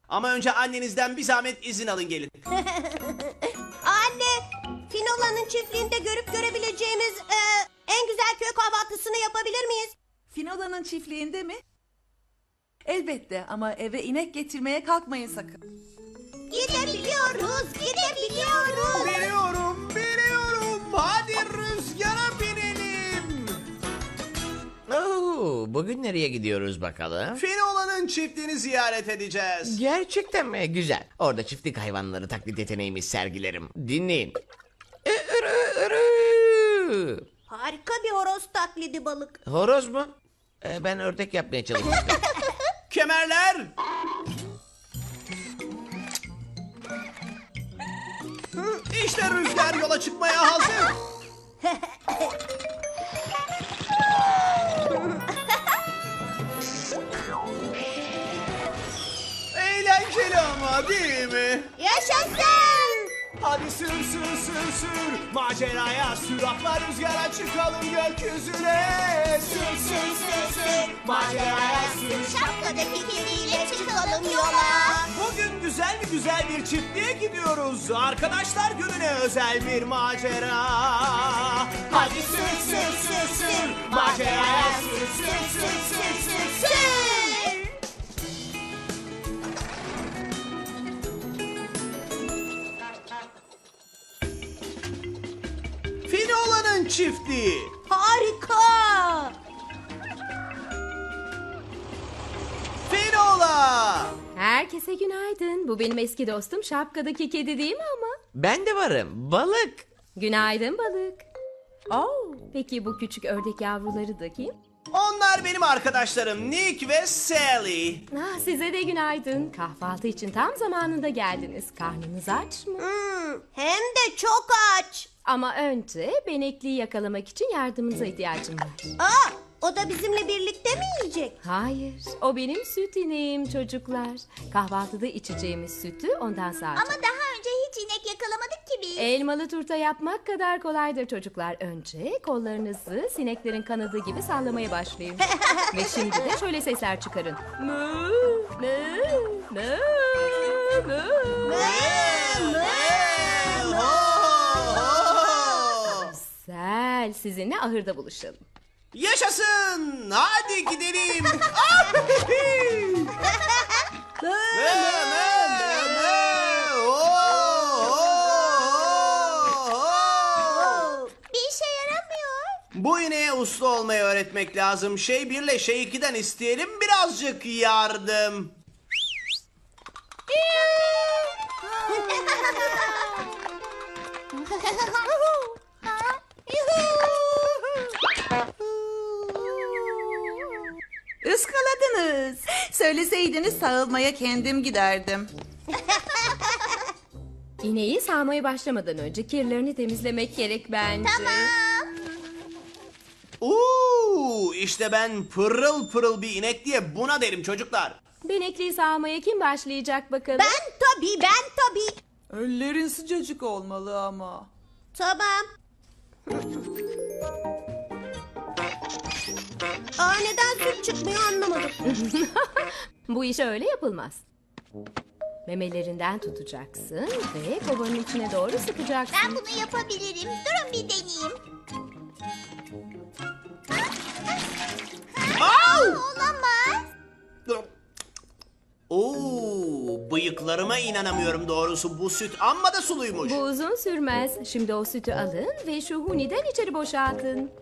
Ama önce annenizden bir zahmet izin alın gelin. Anne, Finola'nın çiftliğinde görüp görebileceğimiz en güzel köy kahvaltısını yapabilir miyiz? Finola'nın çiftliğinde mi? Elbette ama eve inek getirmeye kalkmayın sakın. Gidebiliyoruz, gidebiliyoruz. Biliyorum. Hadi rüzgara binelim. Oo, bugün nereye gidiyoruz bakalım? Finola'nın çiftliğini ziyaret edeceğiz. Gerçekten mi? Güzel. Orada çiftlik hayvanları taklit yeteneğimi sergilerim. Dinleyin. Irı, ırı. Harika bir horoz taklidi balık. Horoz mu? Ben ördek yapmaya çalışmıştım. Kemerler. İşte rüzgar yola çıkmaya hazır. Eğlenceli ama değil mi? Yaşasın! Hadi sür. Maceraya sür atla rüzgara çıkalım gökyüzüne. Sür. Maceraya sür. Şapkadaki kediyle çıkalım yola. Bugün güzel bir çiftliğe gidiyoruz. Arkadaşlar gününe özel bir macera. Hadi sür. Maceraya sür. Finola'nın çiftliği. Harika! Finola. Herkese günaydın. Bu benim eski dostum şapkadaki kedi değil mi ama? Ben de varım. Balık. Günaydın balık. Oh, peki bu küçük ördek yavruları da kim? Onlar benim arkadaşlarım Nick ve Sally. Size de günaydın. Kahvaltı için tam zamanında geldiniz. Karnınız aç mı? Hem de çok aç. Ama önce benekliyi yakalamak için yardımınıza ihtiyacım var. O da bizimle birlikte mi yiyecek? Hayır, o benim süt ineğim çocuklar. Kahvaltıda içeceğimiz sütü ondan sağacağım. daha önce hiç inek yakalamadık ki biz. Elmalı turta yapmak kadar kolaydır çocuklar. Önce kollarınızı sineklerin kanadı gibi sallamaya başlayın. Ve şimdi de şöyle sesler çıkarın. Mı, mı, mı, mı. Güzel, sizinle ahırda buluşalım. Yaşasın! Hadi gidelim. Bir işe yaramıyor. Bu ineğe uslu olmayı öğretmek lazım. Şey 1 ile şey 2'den isteyelim birazcık yardım. Iskaladınız. Söyleseydiniz sağılmaya kendim giderdim. İneği sağmaya başlamadan önce kirlerini temizlemek gerek bence. İşte ben pırıl bir inek diye buna derim çocuklar. Benekliyi sağmaya kim başlayacak bakalım? Ben tabii. Ellerin sıcacık olmalı ama. Tamam. Neden süt çıkmıyor anlamadım. Bu iş öyle yapılmaz. Memelerinden tutacaksın ve kovanın içine doğru sıkacaksın. Ben bunu yapabilirim. Durun bir deneyeyim. Olamaz. Bıyıklarıma inanamıyorum doğrusu. Bu süt amma da suluymuş. Bu uzun sürmez. Şimdi o sütü alın ve şu huniden içeri boşaltın.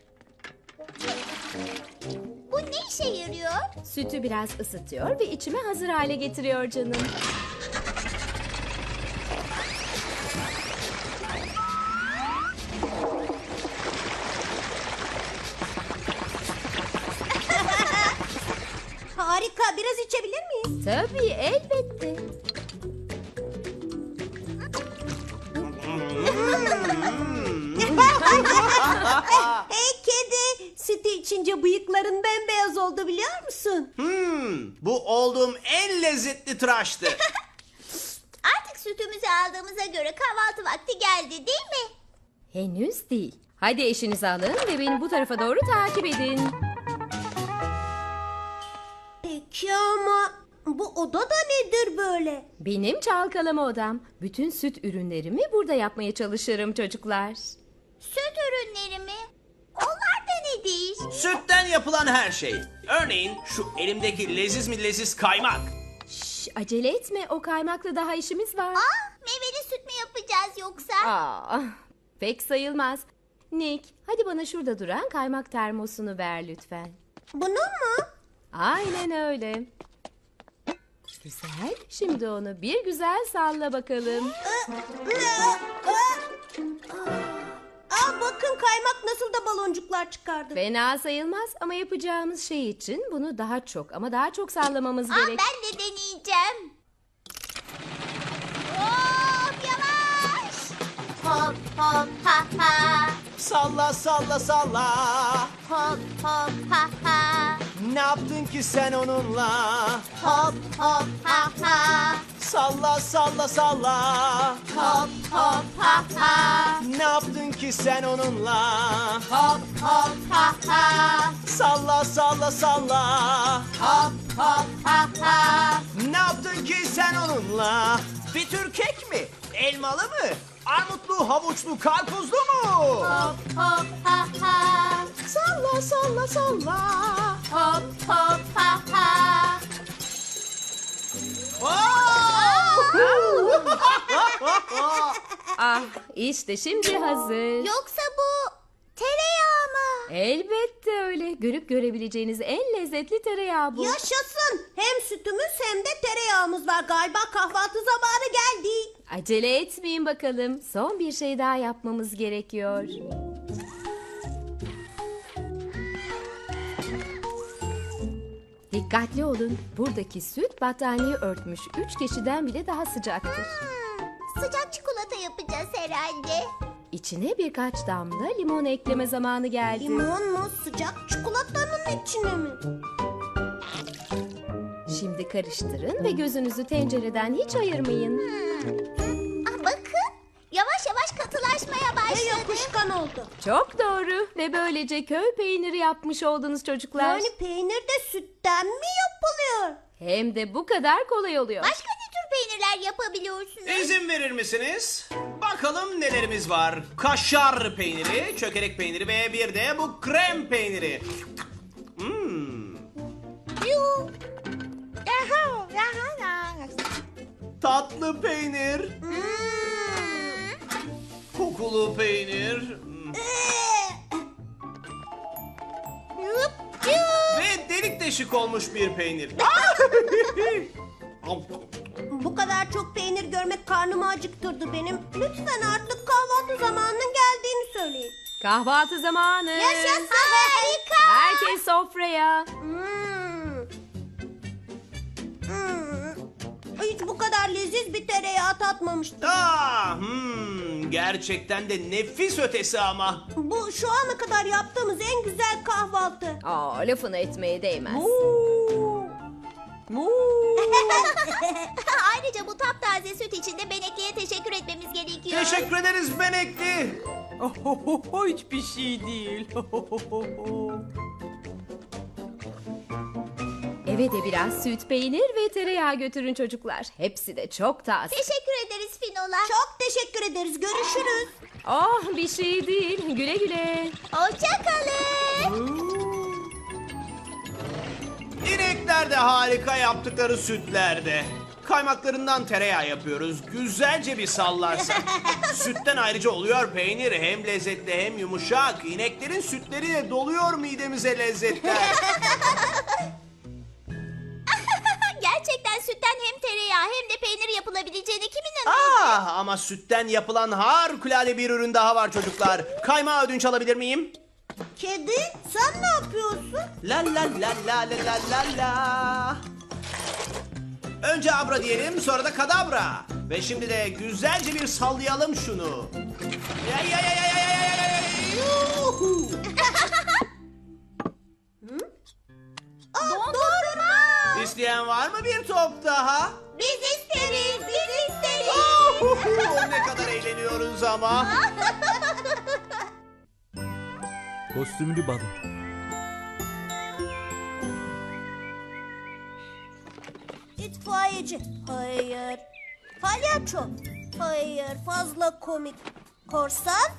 Bu ne işe yarıyor? Sütü biraz ısıtıyor ve içime hazır hale getiriyor canım. Harika. Biraz içebilir miyiz? Tabii, elbette. Hey kedi. Sütü içince bıyıkların bembeyaz oldu biliyor musun? Bu olduğum en lezzetli tıraştı. Artık sütümüzü aldığımıza göre kahvaltı vakti geldi değil mi? Henüz değil. Hadi eşinizi alın ve beni bu tarafa doğru takip edin. Peki ama Bu oda da nedir böyle? Benim çalkalama odam. Bütün süt ürünlerimi burada yapmaya çalışırım çocuklar. Süt ürünleri mi? Onlar da nedir? Sütten yapılan her şey. Örneğin şu elimdeki leziz mi leziz kaymak. Şş, acele etme, o kaymakla daha işimiz var. Meyveli süt mü yapacağız yoksa? Aa, pek sayılmaz. Nick, hadi bana şurada duran kaymak termosunu ver lütfen. Bunu mu? Aynen öyle. Güzel. Şimdi onu bir güzel salla bakalım. Bakın kaymak nasıl da baloncuklar çıkardı. Fena sayılmaz ama yapacağımız şey için bunu daha çok ama daha çok sallamamız gerek. Ben de deneyeceğim. Hop yavaş. Hop hop ha ha. Salla salla salla. Hop hop ha ha. Ne yaptın ki sen onunla? Hop hop ha ha. Salla salla salla. Hop hop ha ha. Ne yaptın ki sen onunla? Hop hop ha ha. Salla salla salla. Hop hop ha ha. Ne yaptın ki sen onunla? Bir tür kek mi? Elmalı mı? Armutlu, havuçlu, karpuzlu mu? Hop hop ha ha. Salla salla salla. Hop hop ha ha. Ah, işte şimdi hazır. Yoksa bu tereyağı mı? Elbette öyle. Görüp görebileceğiniz en lezzetli tereyağı bu. Yaşasın. Hem sütümüz hem de tereyağımız var. Galiba kahvaltı zamanı geldi. Acele etmeyin bakalım. Son bir şey daha yapmamız gerekiyor. Dikkatli olun. Buradaki süt battaniye örtmüş 3 kişiden bile daha sıcaktır. Sıcak çikolata yapacağız herhalde. İçine birkaç damla limon ekleme zamanı geldi. Limon mu? Sıcak çikolatanın içine mi? Şimdi karıştırın ve gözünüzü tencereden hiç ayırmayın. Bakın yavaş yavaş katılaşmaya Ve başladı. yapışkan oldu. Çok doğru ve böylece köy peyniri yapmış oldunuz çocuklar. Yani peynir de sütten mi yapılıyor? Hem de bu kadar kolay oluyor. Başka ne tür peynirler yapabiliyorsunuz? İzin verir misiniz? Bakalım nelerimiz var. Kaşar peyniri, çökelek peyniri ve bir de bu krem peyniri. Yuh. Tatlı peynir, kokulu peynir Yup, yuh. ve delik deşik olmuş bir peynir. Bu kadar çok peynir görmek karnımı acıktırdı benim. Lütfen artık kahvaltı zamanının geldiğini söyleyin. Kahvaltı zamanı. Yaşasın harika. Herkes sofraya. Hiç bu kadar leziz bir tereyağı tatmamıştım. Gerçekten de nefis ötesi ama. Bu şu ana kadar yaptığımız en güzel kahvaltı. Aa, lafını etmeye değmez. Ayrıca bu taptaze süt için de Benekli'ye teşekkür etmemiz gerekiyor. Teşekkür ederiz Benekli. Hiçbir şey değil. Eve de biraz süt, peynir ve tereyağı götürün çocuklar. Hepsi de çok taze. Teşekkür ederiz Finola. Çok teşekkür ederiz. Görüşürüz. Oh, bir şey değil. Güle güle. Hoşça kalın. İnekler de harika yaptıkları sütlerde. Kaymaklarından tereyağı yapıyoruz. Güzelce bir sallarsak. Sütten ayrıca oluyor peynir. Hem lezzetli hem yumuşak. İneklerin sütleriyle doluyor midemize lezzetler. Gerçekten sütten hem tereyağı hem de peynir yapılabileceğine kim inanır? Ama sütten yapılan harikulade bir ürün daha var çocuklar. Kaymağı ödünç alabilir miyim? Kedi sen ne yapıyorsun? La la la la la la la la. Önce abra diyelim, sonra da kadabra. Ve şimdi de güzelce bir sallayalım şunu. Ya ya ya ya ya ya ya ya. Yuhu. Dondurma. İsteyen var mı bir top daha? Biz isteriz, biz isteriz. Uhu, ne kadar eğleniyoruz ama. Kostümlü balık. İtfaiyeci. Hayır. Palyaço. Hayır. Fazla komik. Korsan.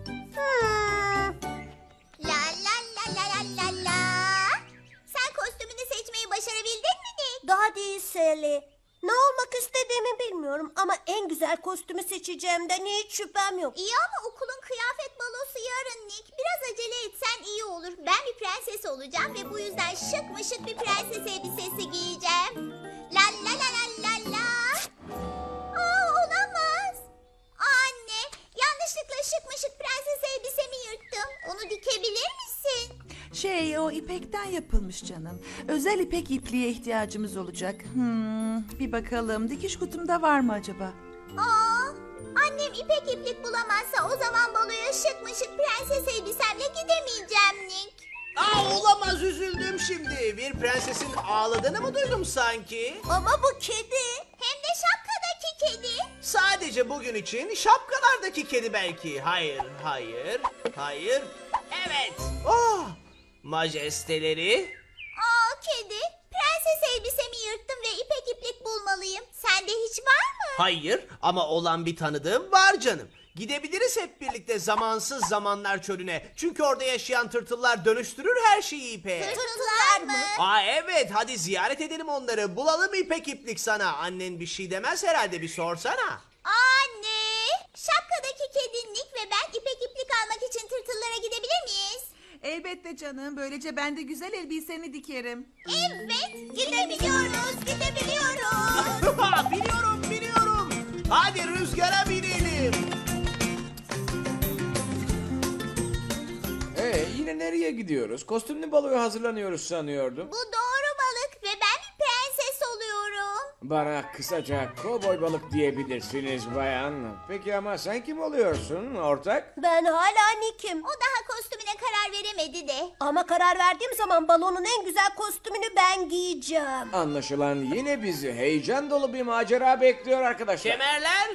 La la la la la la la. Sen kostümünü seçmeyi başarabildin mi Nick? Daha değil Sally. Ne olmak istediğimi bilmiyorum ama en güzel kostümü seçeceğimden hiç şüphem yok. İyi ama okulun kıyafet balosu yarın Nick. Biraz acele etsen iyi olur. Ben bir prenses olacağım ve bu yüzden şık mı şık bir prenses elbisesi giyeceğim. La la la la la la. Aa, olamaz. Anne, yanlışlıkla şık mı şık prenses elbisemi yırttım. Onu dikebilir misin? O ipekten yapılmış canım. Özel ipek ipliğe ihtiyacımız olacak. Bir bakalım dikiş kutumda var mı acaba? Aa, annem ipek iplik bulamazsa o zaman baloya şık mı şık prenses elbisemle gidemeyeceğim Nick. Olamaz, üzüldüm şimdi. Bir prensesin ağladığını mı duydum sanki? Ama bu kedi. Hem de şapkadaki kedi. Sadece bugün için şapkalardaki kedi belki. Hayır, hayır, hayır. Evet. Oh, majesteleri. Aa kedi, prenses elbisemi yırttım ve ipek iplik bulmalıyım. Sende hiç var mı? Hayır ama olan bir tanıdığım var canım. Gidebiliriz hep birlikte zamansız zamanlar çölüne. Çünkü orada yaşayan tırtıllar dönüştürür her şeyi ipeğe. Tırtıllar mı? Evet, hadi ziyaret edelim onları. Bulalım ipek iplik sana. Annen bir şey demez herhalde, bir sorsana. Anne, şapkadaki kedi Nick ve ben ipek iplik almak için tırtıllara gidebilir miyiz? Elbette canım. Böylece ben de güzel elbiseni dikerim. Evet, gidebiliyoruz, gidebiliyoruz. Biliyorum. Hadi rüzgara binelim. Yine nereye gidiyoruz? Kostümlü baloya hazırlanıyoruz sanıyordum. Bu doğru balık ve ben bir prenses oluyorum. Bana kısaca kovboy balık diyebilirsiniz bayan. Peki ama sen kim oluyorsun ortak? Ben hala Nick'im. O daha kostümüne karar veremedi de. Ama karar verdiğim zaman balonun en güzel kostümünü ben giyeceğim. Anlaşılan yine bizi heyecan dolu bir macera bekliyor arkadaşlar. Kemerler.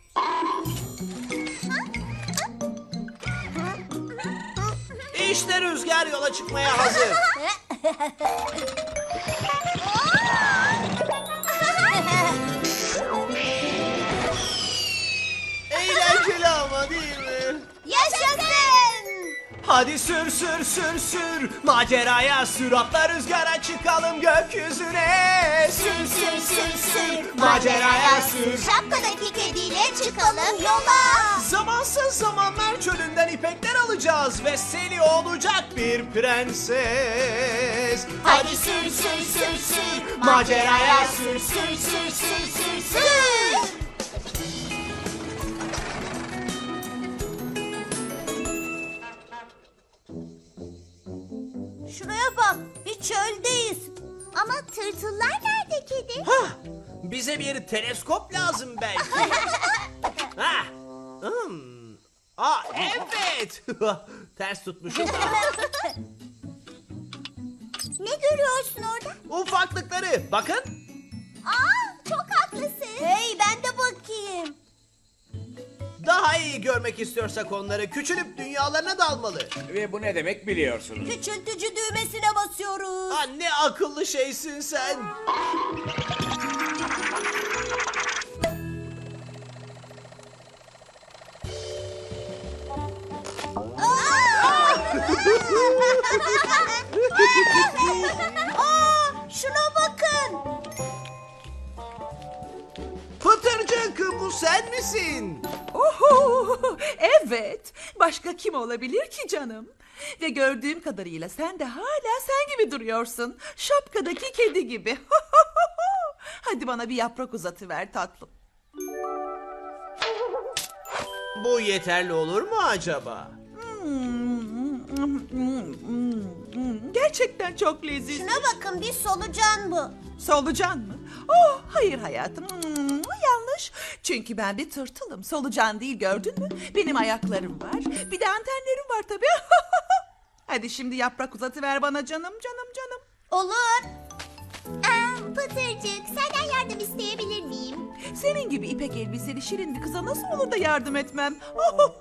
İşte rüzgar yola çıkmaya hazır. Eğlenceli ama değil mi? Yaşasın! Hadi sür, maceraya sür, atla rüzgara çıkalım gökyüzüne. Sür, maceraya sür. Şapkadaki kediyle çıkalım yola. Zamansız zamanlar çölünden ipekler alacağız ve Sally olacak bir prenses. Hadi sür, maceraya sür. sür. Şuraya bak, bir çöldeyiz. Ama tırtıllar nerede kedi? Hah, bize bir teleskop lazım belki. Hah. Evet. Ters tutmuşum. Ne görüyorsun orada? Ufaklıkları bakın. Aa, çok haklısın. Hey, ben de bakayım. Daha iyi görmek istiyorsak onları küçülüp dünyalarına dalmalı. Ve bu ne demek biliyorsunuz. Küçültücü düğmesine basıyoruz. Ne akıllı şeysin sen. Şuna bakın. Pıtırcık, bu sen misin? Oho, evet. Başka kim olabilir ki canım? Ve gördüğüm kadarıyla sen de hala sen gibi duruyorsun. Şapkadaki kedi gibi. Hadi bana bir yaprak uzatıver tatlım. Bu yeterli olur mu acaba? Gerçekten çok leziz. Şuna bakın, bir solucan bu. Solucan mı? Oh hayır hayatım. Yanlış. Çünkü ben bir tırtılım. Solucan değil, gördün mü? Benim ayaklarım var. Bir de antenlerim var tabii. Hadi şimdi yaprak uzatıver bana canım. Olur. Pıtırcık, senden yardım isteyebilir miyim? Senin gibi ipek elbiseli şirin bir kıza nasıl olur da yardım etmem?